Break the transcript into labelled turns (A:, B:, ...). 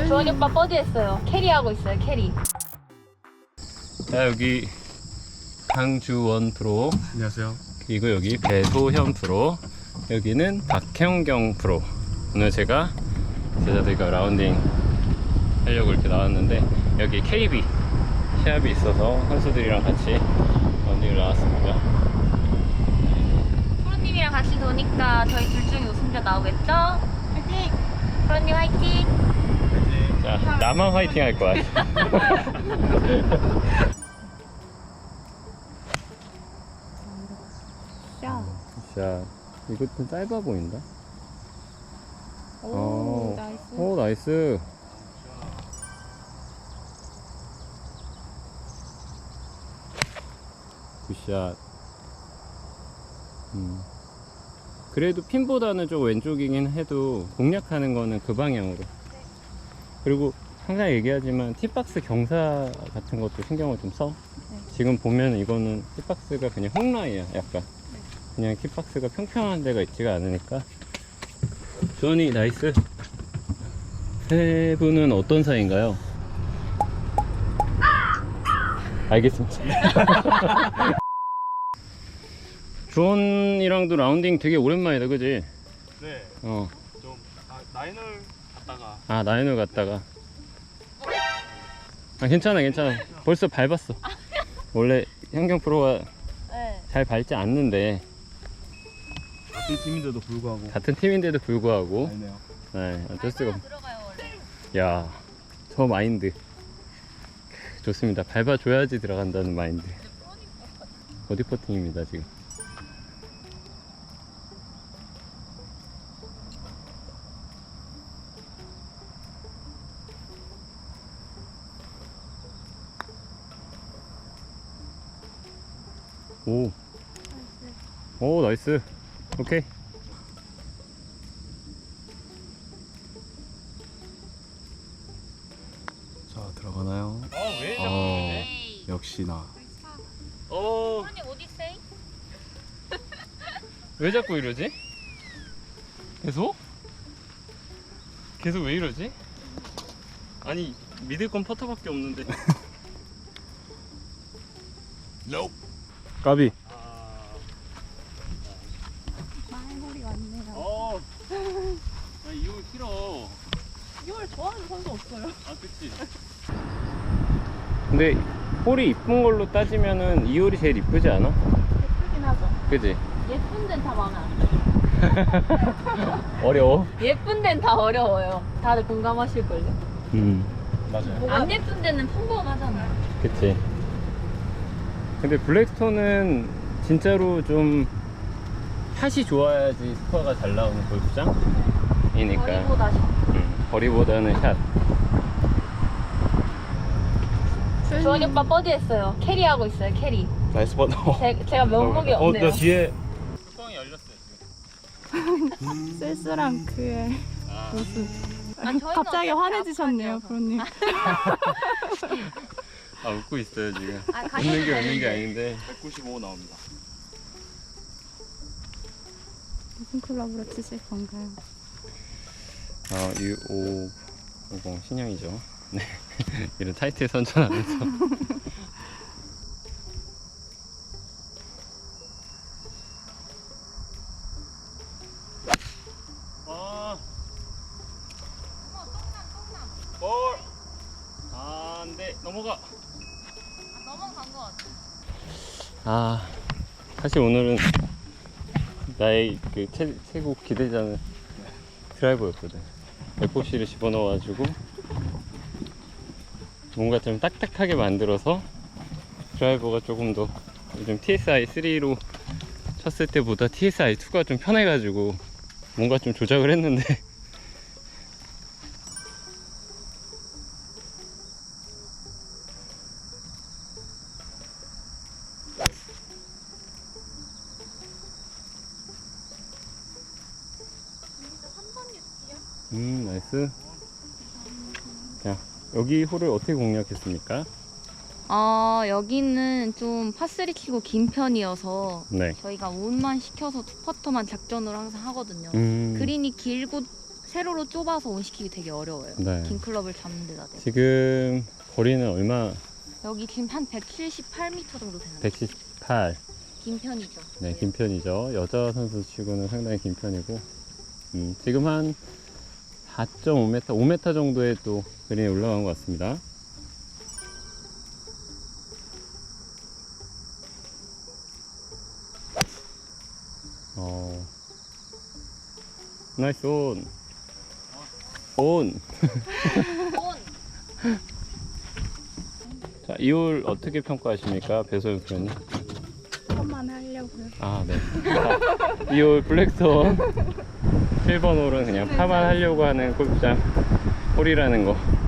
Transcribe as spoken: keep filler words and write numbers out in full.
A: 주원이 오빠 버디 했어요. 캐리하고 있어요, 캐리.
B: 자, 여기 강주원 프로.
C: 안녕하세요.
B: 그리고 여기 배소현 프로. 여기는 박형경 프로. 오늘 제가 제자들과 라운딩 하려고 이렇게 나왔는데, 여기 케이비 시합이 있어서 선수들이랑 같이 라운딩을 나왔습니다.
A: 프로님이랑 같이 도니까 저희 둘 중에 우승자 나오겠죠? 화이팅! 프로님 화이팅!
B: 자, 나만 화이팅 할 거야.
A: 샷.
B: 자, 이거 좀 짧아 보인다.
A: 오,
B: 어.
A: 나이스.
B: 오, 나이스. 굿샷. 음. 그래도 핀보다는 좀 왼쪽이긴 해도 공략하는 거는 그 방향으로. 그리고 항상 얘기하지만 팁박스 경사 같은 것도 신경을 좀 써.
A: 네.
B: 지금 보면 이거는 팁박스가 그냥 홈라인이야, 약간.
A: 네.
B: 그냥 팁박스가 평평한 데가 있지가 않으니까. 주원이 나이스. 세 분은 어떤 사이인가요? 알겠습니다. 주원이랑도 라운딩 되게 오랜만이다, 그지?
C: 네,
B: 어.
C: 좀 아, 나인을 갔다가
B: 아, 나인을 갔다가. 아, 괜찮아, 괜찮아. 벌써 밟았어. 원래 현경 프로가
A: 네.
B: 잘 밟지 않는데,
C: 같은 팀인데도 불구하고
B: 같은 팀인데도 불구하고,
C: 아니네요.
B: 네, 어쩔 수가 없.
A: 들어가요, 원래.
B: 야, 저 마인드 좋습니다. 밟아줘야지 들어간다는 마인드. 버디 퍼팅입니다, 지금. 오, 오, 나이스. 오케이.
C: 자, 들어가나요?
B: 아, 왜
C: 자꾸 그러네?
A: 에이.
C: 역시나.
B: 어,
A: 프로님 어디 있어요?
B: 왜 자꾸 이러지? 계속? 계속 왜 이러지? 아니, 믿을 건 퍼터밖에 없는데.
C: 까비.
A: 말머리 왔네요.
B: 어, 나 이거 싫어.
A: 이걸 좋아하는 선수 없어요.
B: 아, 그치. 근데 홀이 이쁜 걸로 따지면은 이 홀이 제일 이쁘지 않아?
A: 예쁘긴 하죠.
B: 그지?
A: 예쁜 데는 다 마음에 안 들어요.
B: 어려워.
A: 예쁜 데는 다 어려워요. 다들 공감하실걸요?
B: 음,
C: 맞아요.
A: 안 예쁜 데는 평범하잖아요.
B: 그치. 근데 블랙스톤은 진짜로 좀 샷이 좋아야지 스코어가 잘 나오는 골프장이니까.
A: 거리보다
B: 음, 거리보다는 샷.
A: 주원이 오빠 버디 했어요. 캐리하고 있어요, 캐리.
C: 나이스 번.
A: 제, 제가 면목이
C: 어,
A: 없네요.
C: 나 뒤에
B: 뚜껑이 열렸어요, 지금.
D: 쓸쓸한 그의
B: 아,
D: 모습.
A: 아, 저희는
D: 갑자기
A: 어차피
D: 환해지셨네요,
A: 아파하죠.
D: 프로님.
B: 아, 웃고 있어요, 지금.
A: 아,
B: 웃는
A: 가시면
B: 게 웃는 게
A: 되는데.
B: 아닌데.
C: 백구십오 나옵니다.
D: 무슨 클럽으로 치실 건가요?
B: 어, 유오오공 신형이죠. 네. 이런 타이틀 선전하면서. 아. 볼. 아, 안 돼. 넘어가.
A: 넘어간 것 같아.
B: 아, 사실 오늘은 나의 그 최, 최고 기대자는 드라이버였거든. 에프오씨를 집어넣어가지고 뭔가 좀 딱딱하게 만들어서 드라이버가 조금 더 요즘 티에스아이 쓰리로 쳤을 때보다 티에스아이 투가 좀 편해가지고 뭔가 좀 조작을 했는데 음, 나이스. 자, 여기 홀을 어떻게 공략했습니까?
A: 어, 여기는 좀 파쓰리 치고 긴 편이어서
B: 네.
A: 저희가 온만 시켜서 투퍼터만 작전으로 항상 하거든요.
B: 음,
A: 그린이 길고 세로로 좁아서 온시키기 되게 어려워요.
B: 네.
A: 긴 클럽을 잡는 데다 대고.
B: 지금 거리는 얼마?
A: 여기 지금 한 백칠십팔 미터 정도 되는 거예요.
B: 백십팔.
A: 긴 편이죠.
B: 네, 긴 편이죠. 여자 선수 치고는 상당히 긴 편이고, 음, 지금 한 사 점 오 미터, 오 미터 정도의 또 그린에 올라간 것 같습니다. 어, 나이스 온. 온. 자, 이 홀 어떻게 평가하십니까, 배소영 프로님?
D: 한번 하려고요.
B: 아, 네. 이 홀 블랙스톤 칠 번 홀은 그냥 파만 하려고 하는 골프장 홀이라는 거